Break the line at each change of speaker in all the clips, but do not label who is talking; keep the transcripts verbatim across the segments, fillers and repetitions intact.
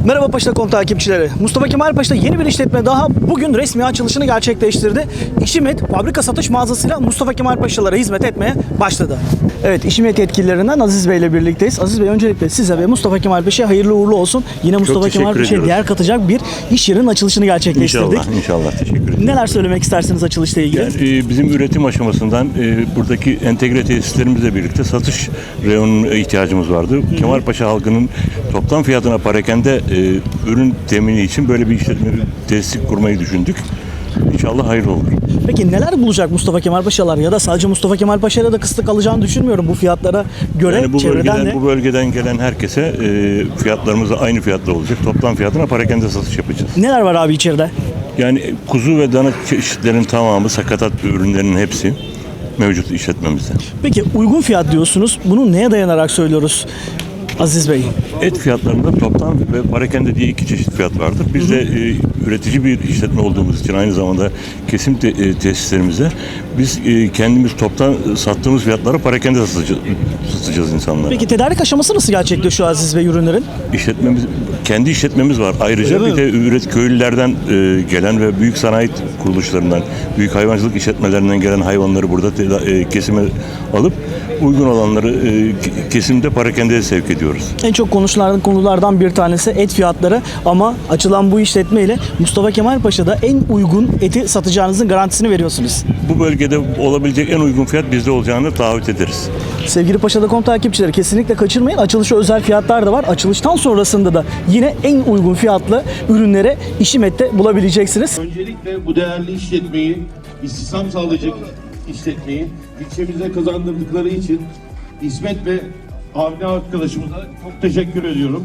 Merhaba Paşa nokta com takipçileri. Mustafa Kemal Paşa'da yeni bir işletme daha bugün resmi açılışını gerçekleştirdi. İşimet fabrika satış mağazasıyla Mustafa Kemal Paşalara hizmet etmeye başladı. Evet, İşimet yetkililerinden Aziz Bey ile birlikteyiz. Aziz Bey, öncelikle size ve Mustafa Kemal Paşa'ya hayırlı uğurlu olsun. Yine Mustafa Kemal Paşa'ya değer katacak bir iş yerinin açılışını gerçekleştirdik.
İnşallah, inşallah. Teşekkür ederim.
Neler söylemek istersiniz açılışla ilgili?
Yani, e, bizim üretim aşamasından e, buradaki entegre tesislerimizle birlikte satış reyonuna ihtiyacımız vardı. Hı hı. Kemalpaşa halkının toplam fiyatına parakende e, ürün temini için böyle bir işletme tesis kurmayı düşündük. İnşallah hayırlı olur.
Peki neler bulacak Mustafa Kemal Paşalar, ya da sadece Mustafa Kemal Paşa'yla da kısıtlı kalacağını düşünmüyorum bu fiyatlara göre.
Yani bu bölgeden,
de...
bu bölgeden gelen herkese e, fiyatlarımız da aynı fiyatla olacak. Toplam fiyatına parakende satış yapacağız.
Neler var abi içeride?
Yani kuzu ve dana çeşitlerin tamamı, sakatat ürünlerinin hepsi mevcut işletmemizde.
Peki uygun fiyat diyorsunuz. Bunu neye dayanarak söylüyoruz Aziz Bey?
Et fiyatlarında toptan ve parakende diye iki çeşit fiyat vardır. Biz de e, üretici bir işletme olduğumuz için aynı zamanda kesim te, e, tesislerimizde biz e, kendimiz toptan sattığımız fiyatları parakende satacağız, satacağız insanlara.
Peki tedarik aşaması nasıl gerçekleşiyor Aziz Bey ürünlerin?
İşletmemiz, kendi işletmemiz var. Ayrıca
Öyle
bir de üret köylülerden e, gelen ve büyük sanayi kuruluşlarından, büyük hayvancılık işletmelerinden gelen hayvanları burada teda, e, kesime alıp uygun olanları e, kesimde parakendeye sevk ediyoruz.
En çok konuşulan konulardan bir tanesi et fiyatları, ama açılan bu işletme ile Mustafa Kemal Paşa'da en uygun eti satacağınızın garantisini veriyorsunuz.
Bu bölgede olabilecek en uygun fiyat bizde olacağını taahhüt ederiz.
Sevgili Paşa nokta com takipçileri, kesinlikle kaçırmayın. Açılışa özel fiyatlar da var. Açılıştan sonrasında da yine en uygun fiyatlı ürünleri İşimet'te bulabileceksiniz.
Öncelikle bu değerli işletmeyi, istihdam sağlayacak işletmeyi ilçemize kazandırdıkları için İsmet ve Avni arkadaşımıza çok teşekkür ediyorum.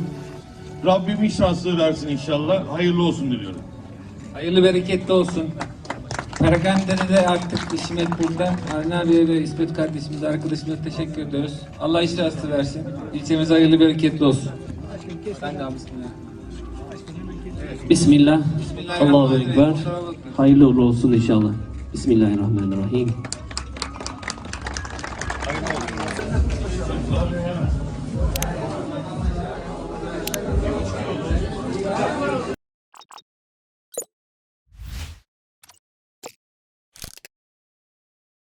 Rabbim iş şanslı versin inşallah. Hayırlı olsun diliyorum.
Hayırlı bereketli olsun. Perakande'de de artık İşimet burada. Avni abiye ve İsmet kardeşimize, arkadaşımıza teşekkür ediyoruz. Allah iş rastı versin. İlçemize hayırlı bereketli olsun. Ben de bismillah.
Bismillah. Allahu Ekber. Hayırlı uğurlu olsun inşallah. Bismillahirrahmanirrahim.